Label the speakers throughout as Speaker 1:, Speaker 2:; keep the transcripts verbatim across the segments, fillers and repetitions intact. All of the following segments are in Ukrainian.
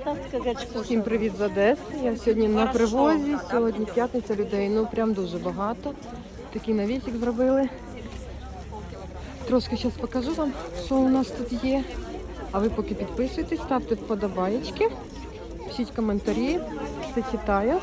Speaker 1: Всім привіт з Одеси. Я сьогодні на привозі. Сьогодні п'ятниця, людей, ну прям дуже багато. Такий навісик зробили. Трошки зараз покажу вам, що у нас тут є. А ви поки підписуйтесь, ставте вподобаєчки, пишіть коментарі, все читаю.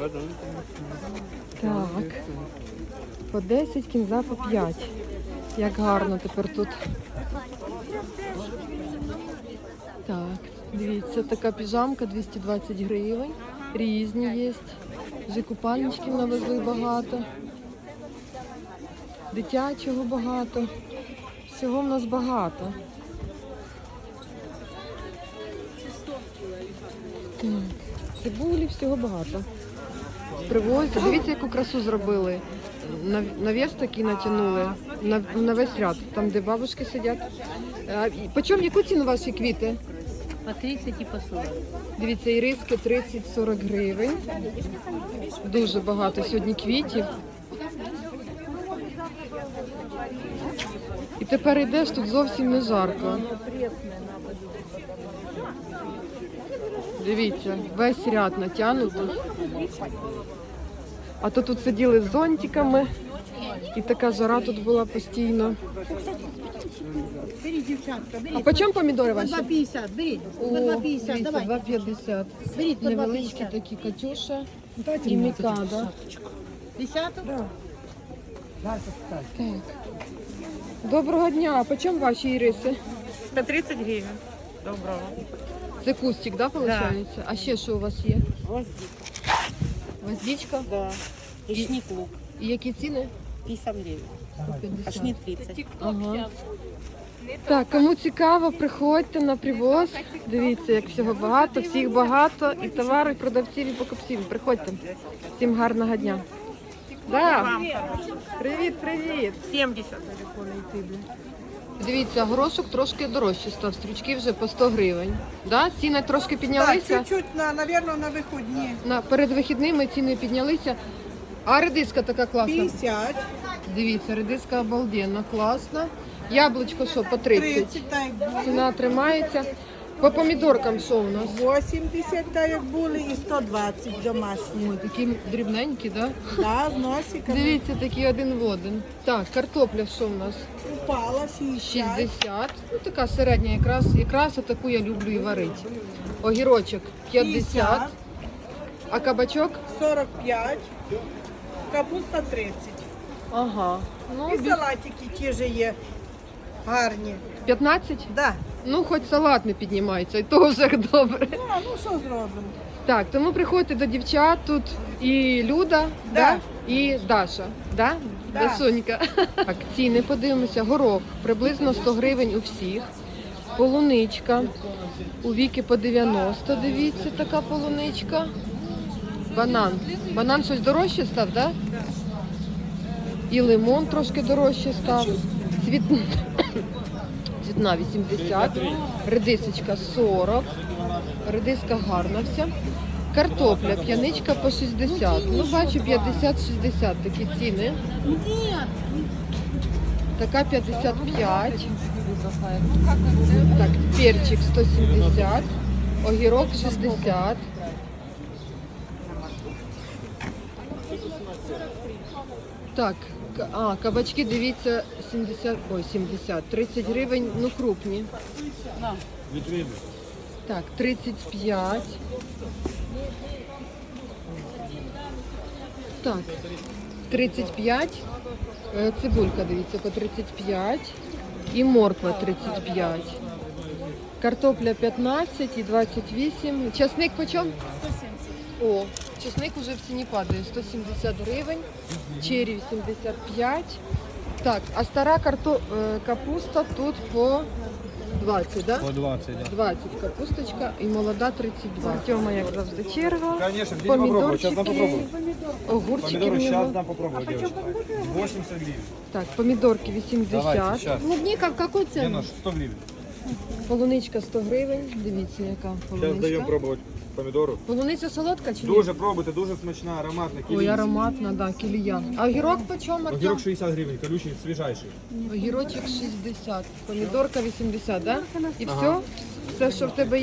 Speaker 1: Так, по десять, кінза по п'ять. Як гарно тепер тут. Так, дивіться, така піжамка двісті двадцять гривень. Різні є. Вже купальничків навезли багато. Дитячого багато. Всього в нас багато. Так, цибулі, всього багато. Привозять. Дивіться, яку красу зробили. Навіс такий натягнули на, на весь ряд, там де бабушки сидять. А, по чому, яку ціну ваші квіти?
Speaker 2: По тридцять і по сорок.
Speaker 1: Дивіться, іриски тридцять-сорок гривень. Дуже багато сьогодні квітів. І тепер йдеш, тут зовсім не жарко. Дивіться, весь ряд натягнутий. А то тут сиділи з зонтиками. І така жара тут була постійно.
Speaker 2: Беріть, дівчатка, беріть.
Speaker 1: А по чому помідори ваші?
Speaker 2: два п'ятдесят, беріть.
Speaker 1: О,
Speaker 2: По два п'ятдесят,
Speaker 1: дивіться,
Speaker 2: давай.
Speaker 1: два п'ятдесят.
Speaker 2: Беріть, по два
Speaker 1: Невеличкі
Speaker 2: п'ятдесят.
Speaker 1: такі Катюша і Мікада.
Speaker 2: Десяток?
Speaker 1: Так. Доброго дня. А по чому ваші іриси?
Speaker 3: сто тридцать гривен. Доброго.
Speaker 1: Це кустик, да, виходить? А ще що у вас є?
Speaker 3: Гвоздика.
Speaker 1: Гвоздичка?
Speaker 3: Да. И
Speaker 1: И-
Speaker 3: шнит лук.
Speaker 1: І які ціни?
Speaker 3: пятьдесят гривен.
Speaker 1: сто
Speaker 3: А
Speaker 1: п'ятдесят.
Speaker 3: шнит тридцать.
Speaker 1: Ага. Так, кому цікаво, приходьте на привоз. Дивіться, як всього багато, всіх багато. І товару, і продавців, і покупців. Приходьте. Всім гарного дня. Да. Привіт, привіт.
Speaker 3: семьдесят.
Speaker 1: Дивіться, горошок трошки дорожче став. Стручки вже по сто гривень. Да? Ціни трошки
Speaker 4: Так,
Speaker 1: піднялися.
Speaker 4: чуть-чуть, на, наверное, на виходні.
Speaker 1: На, перед вихідними ціни піднялися. А редиска така класна.
Speaker 4: п'ятдесят,
Speaker 1: Дивіться, редиска обалденна, класна. Яблучко що, по тридцять.
Speaker 4: тридцять, так як були.
Speaker 1: Ціна тримається. По помідоркам що у нас?
Speaker 4: вісімдесят, так як були, і сто двадцять домашні.
Speaker 1: Ой, такі дрібненькі, да?
Speaker 4: Да, з носиками.
Speaker 1: Дивіться, такі один в один. Так, картопля що у нас?
Speaker 4: Упала шістдесят.
Speaker 1: шістдесят. Ну, така середня, якраз, якраз таку я люблю і варити. Огірочок п'ятдесят. А кабачок?
Speaker 4: сорок п'ять. Капуста тридцять.
Speaker 1: Ага. Ну,
Speaker 4: І
Speaker 1: бі-
Speaker 4: салатики ті ж є гарні.
Speaker 1: п'ятнадцять?
Speaker 4: Да.
Speaker 1: Ну, хоч салат не піднімається, і то вже добре.
Speaker 4: Ну, а ну що зробимо?
Speaker 1: Так, тому приходьте до дівчат, тут і Люда,
Speaker 4: Да.
Speaker 1: да? І Даша, да?
Speaker 4: Да.
Speaker 1: Дашунька. Так, ціни подивимося. Горох приблизно сто гривень у всіх. Полуничка. У Віки по дев'яносто, дивіться, така полуничка. Банан. Банан щось дорожче став, да? І лимон трошки дорожче став. Цвіт... Цвітна вісімдесят, редисочка сорок, редиска гарна вся. Картопля, п'яничка по шістдесят. Ну, бачу, п'ятдесят-шістдесят такі ціни. Така п'ятдесят п'ять. Так, перчик сто сімдесят, огірок шістдесят. Так, к- а, кабачки, дивіться, сімдесят, ой, сімдесят, тридцять гривень, ну крупні. Так, тридцять п'ять. Так, тридцять п'ять. Е, Цибулька, дивіться, по тридцять п'ять. І морква тридцять п'ять. Картопля п'ятнадцять і двадцять вісім. Часник по чому? сто сімдесят. О, часник уже в ціні падає. сто сімдесят гривень. Чері вісімдесят п'ять. Так, а стара карто... е, капуста тут по двадцять, да?
Speaker 5: По двадцать, да.
Speaker 1: двадцять капусточка і молода тридцять два. Тьома, як завжди, черга.
Speaker 5: Конечно, бери попробуй, сейчас дам попробовать.
Speaker 1: Огурчики в
Speaker 5: Помидоры сейчас
Speaker 1: нього.
Speaker 5: дам попробовать, девочка. восемьдесят гривен.
Speaker 1: Так, помідорки
Speaker 5: Давайте,
Speaker 1: вісімдесят.
Speaker 5: сейчас.
Speaker 1: Клубніка в яку
Speaker 5: Не,
Speaker 1: ціну?
Speaker 5: ну, сто гривен.
Speaker 1: Полуничка сто гривень. Дивіться, яка
Speaker 5: Сейчас даем
Speaker 1: полуничка.
Speaker 5: пробовать помидору.
Speaker 1: Полуниця солодка чи ні?
Speaker 5: Дуже пробуйте, дуже смачна, ароматна.
Speaker 1: Ой,
Speaker 5: кілія.
Speaker 1: ароматна, да, кілія. А огірок по чому, Артем?
Speaker 5: Огірок шістдесят гривень, колючий, свіжайший.
Speaker 1: Огірочок шістдесят. Помідорка вісімдесят, да? І все?
Speaker 5: Ага.
Speaker 1: Все, що в тебе є?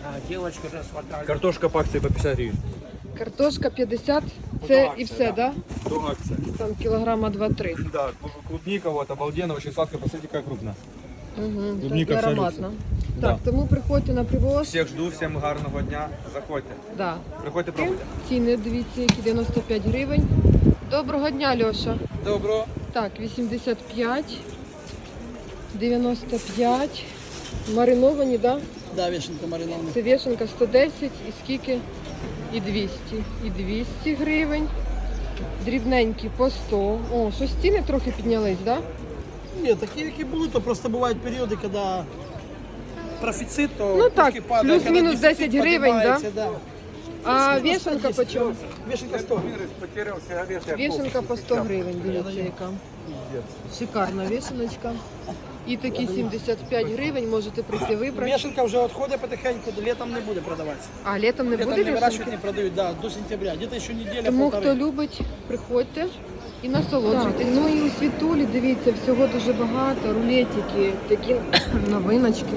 Speaker 5: Картошка по акции по пятьдесят гривен.
Speaker 1: Картошка п'ятдесят,
Speaker 5: То
Speaker 1: це
Speaker 5: акція,
Speaker 1: і все, да?
Speaker 5: То акция.
Speaker 1: Там кілограма два-три.
Speaker 5: Да, клубника вот обалденно, очень сладкая. Посмотрите, какая крупная.
Speaker 1: Угу,
Speaker 5: Клубніка
Speaker 1: так, і
Speaker 5: вся
Speaker 1: ароматно.
Speaker 5: Да.
Speaker 1: Так, тому приходьте на привоз.
Speaker 5: Всех жду, всем гарного дня. Заходьте.
Speaker 1: Да.
Speaker 5: Приходьте, пробуйте.
Speaker 1: Ціни, дивіться, які дев'яносто п'ять гривень. Доброго дня, Льоша.
Speaker 5: Добро.
Speaker 1: Так, вісімдесят п'ять, дев'яносто п'ять. Мариновані, да?
Speaker 6: Да, вишенка маринована.
Speaker 1: Це вішенка сто десять і скільки? І двісті. І двісті гривень. Дрібненькі по сто. О, щось ціни трохи піднялись, да?
Speaker 6: Ні, такі, які були, то просто бувають періоди, коли профіцит, то
Speaker 1: Ну так,
Speaker 6: трошки падає,
Speaker 1: плюс-мінус
Speaker 6: коли дефіцит
Speaker 1: десять гривень, да?
Speaker 6: піднімається, да?
Speaker 1: А
Speaker 6: Плюс-мінус
Speaker 1: вішенка
Speaker 6: сто
Speaker 1: по чому?
Speaker 6: Вишенка сто.
Speaker 1: Вішенка по сто гривень, дивіться яка. Шикарна вішеночка. І такі сімдесят п'ять гривень можете прийти вибрати.
Speaker 6: Вишенка вже відходить потихеньку, літом не буде продаватися.
Speaker 1: А літом не
Speaker 6: Літом
Speaker 1: буде
Speaker 6: не вирощують,
Speaker 1: вішенки?
Speaker 6: не продають, да, до сентября. Где-то ще неділя,
Speaker 1: Тому
Speaker 6: полтори.
Speaker 1: хто любить, приходьте і насолоджуйтесь. Ну і у Світулі, дивіться, всього дуже багато. Рулетики, такі новиночки.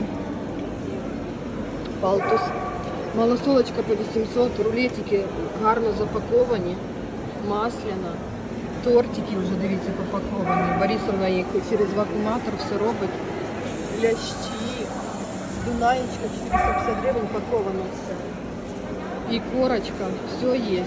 Speaker 1: Палтус. Малосолочка по вісімсот, рулетики гарно запаковані, масляна. Тортики вже, дивіться, попаковані. Борисовна їх через вакууматор все робить. Лящі, дунаєчка, четыреста пятьдесят гривень паковано все. І корочка, все є.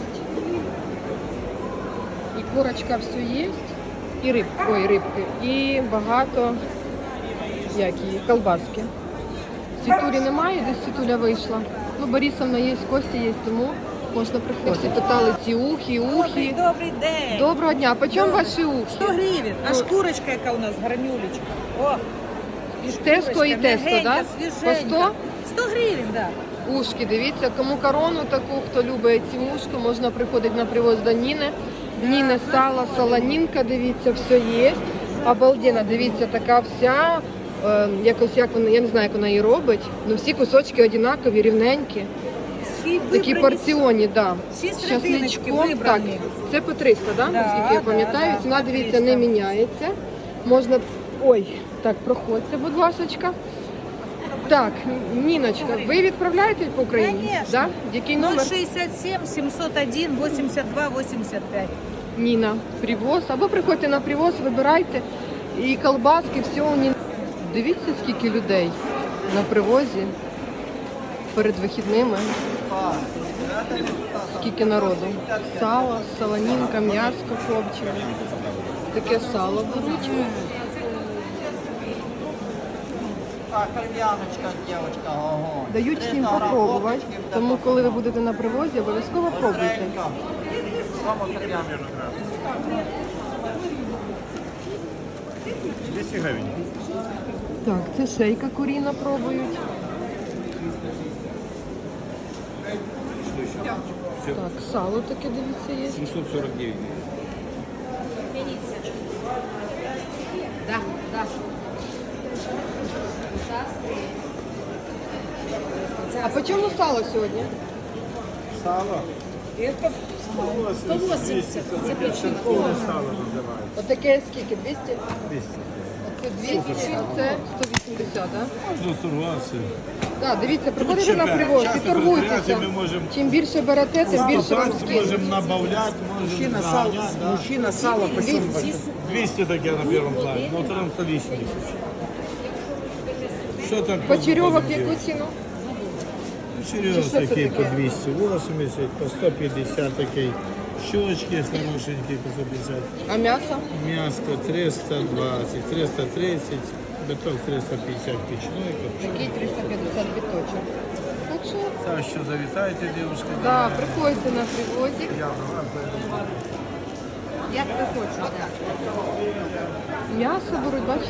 Speaker 1: І корочка все є. І риб, ой, рибки. І багато, як її, колбаски. Світулі немає, десь Світуля вийшла. Ну, Борисовна є, Костя є, тому можна приходити. Всі питали ці ухи, ухи.
Speaker 3: Добрий день.
Speaker 1: Доброго дня, по чому ваші ухи?
Speaker 3: сто гривень. А шкурочка, яка у нас, гарнюлечка. О, і
Speaker 1: Тесто і
Speaker 3: шкурочка,
Speaker 1: тесто,
Speaker 3: м'ягенька,
Speaker 1: да? По
Speaker 3: свіженька.
Speaker 1: сто?
Speaker 3: сто гривень, так. Да.
Speaker 1: Ушки, дивіться, кому корону таку, хто любить ці ушки, можна приходити на привоз до Ніни. Ніни сало, солонінка, дивіться, все є. Обалденно, дивіться, така вся, е, якось, як вона, я не знаю, як вона її робить, але всі кусочки однакові, рівненькі.
Speaker 3: Всі
Speaker 1: Такі
Speaker 3: вибрані,
Speaker 1: порціонні, да.
Speaker 3: всі
Speaker 1: З
Speaker 3: серединочки
Speaker 1: часничком. Так,
Speaker 3: вибрані.
Speaker 1: це по триста, да?
Speaker 3: Да,
Speaker 1: Наскільки я
Speaker 3: да,
Speaker 1: пам'ятаю.
Speaker 3: да,
Speaker 1: Ціна,
Speaker 3: по
Speaker 1: дивіться, не
Speaker 3: триста.
Speaker 1: міняється. Можна, ой, так, проходьте, будь ласочка. Так, Ніночка, ви відправляєте по Україні?
Speaker 3: Конечно.
Speaker 1: Да? Який номер?
Speaker 3: ноль шістдесят сім сімсот один вісімдесят два вісімдесят п'ять.
Speaker 1: Ніна, привоз. Або приходьте на привоз, вибирайте. І колбаски, все у Ніни. Дивіться, скільки людей на привозі перед вихідними. Скільки народу. Сало, солонінка, м'ясо копчене. Таке сало беруть. Дають всім попробувати. Тому, коли ви будете на привозі, обов'язково пробуйте.
Speaker 5: двести гривен.
Speaker 1: Так, це шейка куріна пробують. Так, сало таке, дивіться, є.
Speaker 5: семьсот сорок девять.
Speaker 3: Да, да.
Speaker 1: А по чому сало сьогодні?
Speaker 5: Сало.
Speaker 3: Это сто восемьдесят.
Speaker 5: Церковное сало называется.
Speaker 1: Отаке скільки? двісті?
Speaker 5: двести.
Speaker 1: Це двісті, а це сто вісімдесят, так?
Speaker 7: Ну, торгувався.
Speaker 1: Так, дивіться, приходите на привоз і торгуйтеся.
Speaker 7: Ми можемо
Speaker 1: Чим більше берете, тим більше вам скинуть.
Speaker 7: можемо набавляти, можемо заганяти. Да.
Speaker 6: Мужчина сало по
Speaker 7: двести таке на першому плані, на второму сто вісімдесят. Що так?
Speaker 1: Почерьовок в яку ціну?
Speaker 7: Черев
Speaker 1: Чи що це
Speaker 7: такий по
Speaker 1: таке?
Speaker 7: двісті вісімдесят, по сто п'ятдесят такий. Щочки хорошенькі по сто п'ятдесят.
Speaker 1: А м'ясо?
Speaker 7: М'яско триста двадцять, триста тридцять, биток триста п'ятдесят пічної.
Speaker 1: Такий триста п'ятдесят біточок. Так що,
Speaker 7: Так що завітайте, дівчатки.
Speaker 1: да, приходьте на привозик.
Speaker 3: Як ви хочете.
Speaker 1: М'ясо беруть, бачите?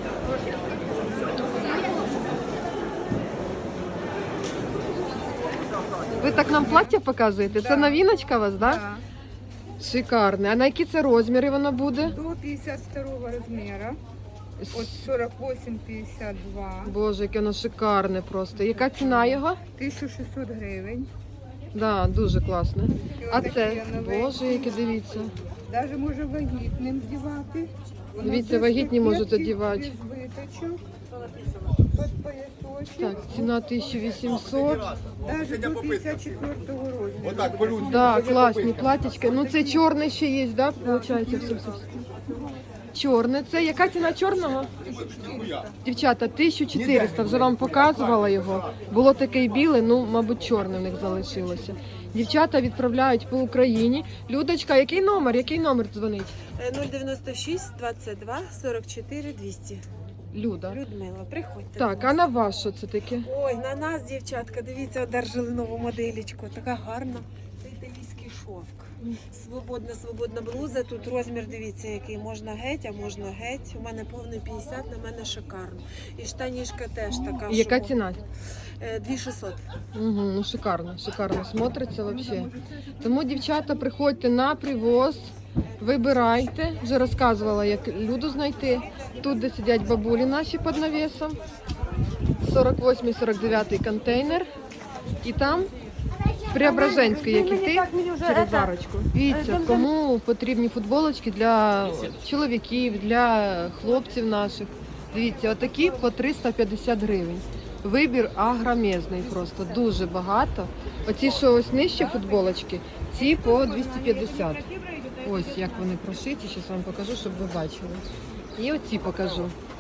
Speaker 1: Ви так нам плаття показуєте? Це новиночка у вас, так? Да? Шикарне. А на які це розміри воно буде?
Speaker 8: До пятьдесят второго размера, от сорок восемь пятьдесят два,
Speaker 1: Боже, яке воно шикарне просто. Яка ціна його?
Speaker 8: тисяча шістсот гривень.
Speaker 1: Да, дуже класне. А
Speaker 8: отакі
Speaker 1: це,
Speaker 8: новенькі.
Speaker 1: боже, яке дивіться.
Speaker 8: Даже може вагітним вдівати. Воно
Speaker 1: Дивіться,
Speaker 8: без
Speaker 1: вагітні можуть
Speaker 8: кокетки,
Speaker 1: одівати.
Speaker 8: без виточок. под поясочек.
Speaker 1: Так, ціна тисяча вісімсот.
Speaker 8: Даже до пятьдесят четвёртого размера.
Speaker 5: Вот так, по-людски.
Speaker 1: Да, класні платічки. Ну це чорний ще є, да? Получається, все, все. все. Чорне. Це яка ціна чорного? Дівчата, тисяча чотириста. Вже вам показувала його. Було таке й біле, ну, мабуть, чорне в них залишилося. Дівчата відправляють по Україні. Людочка, який номер? Який номер дзвонить?
Speaker 9: нуль дев'яносто шість двадцять два сорок чотири двісті.
Speaker 1: Люда.
Speaker 9: Людмила, приходьте.
Speaker 1: Так, а на вас що це таке?
Speaker 9: Ой, на нас, дівчатка, дивіться, одержали нову моделечку. Така гарна. Це італійський шовк. Свободна, свободна блуза. Тут розмір, дивіться, який. Можна геть, а можна геть. У мене повний п'ятдесят, на мене шикарно. І штанішка теж така.
Speaker 1: І яка
Speaker 9: що,
Speaker 1: ціна?
Speaker 9: е, дві тисячі шістсот.
Speaker 1: Угу, ну шикарно, шикарно смотриться вообще. Тому, дівчата, приходьте на привоз, вибирайте. Вже розказувала, як Люду знайти. Тут, де сидять бабулі наші під навісом. сорок восьмий сорок дев'ятий контейнер. І там Преображенський, як іти через арочку. Дивіться, кому потрібні футболочки для чоловіків, для хлопців наших. Дивіться, отакі по триста п'ятдесят гривень. Вибір агромезний просто, дуже багато. Оці, що ось нижче футболочки, ці по двісті п'ятдесят. Ось як вони прошиті, зараз вам покажу, щоб ви бачили. І оці покажу.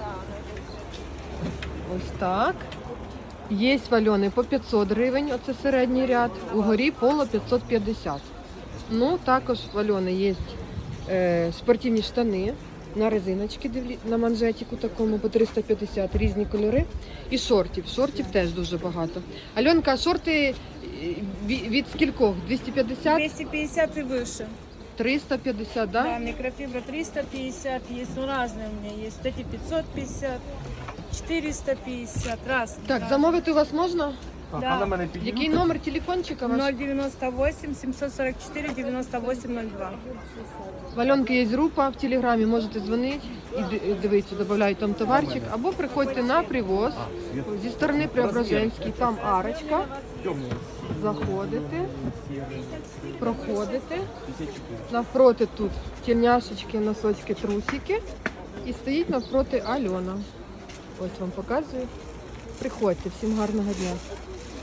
Speaker 1: Ось так. Є вальони по п'ятсот гривень, оце середній ряд. Угорі поло п'ятсот п'ятдесят. Ну, також вальони є е, спортивні штани на резиночки, на манжетику такому по триста п'ятдесят, різні кольори. І шортів. Шортів теж дуже багато. Альонка, шорти від, від скількох? двісті п'ятдесят?
Speaker 9: двісті п'ятдесят і вище.
Speaker 1: триста п'ятдесят, да?
Speaker 9: Да, микрофибра триста пятьдесят есть, ну разные у меня есть. Эти пятьсот пятьдесят, четыреста пятьдесят, раз.
Speaker 1: Так, замовити у вас можна?
Speaker 5: Так,
Speaker 9: Да.
Speaker 5: а на мене підійміть.
Speaker 1: Який номер телефончика ваш?
Speaker 9: ноль девяносто восемь семьсот сорок четыре девяносто восемь ноль два.
Speaker 1: В Альонки є група в Телеграмі, можете дзвонити і ди- дивитися, додають там товарчик, або приходьте на привоз зі сторони Преображенський, там арочка, заходите, проходите, навпроти тут тельняшечки, носочки, трусики і стоїть навпроти Альона. Ось вам показую. Приходьте, всім гарного дня.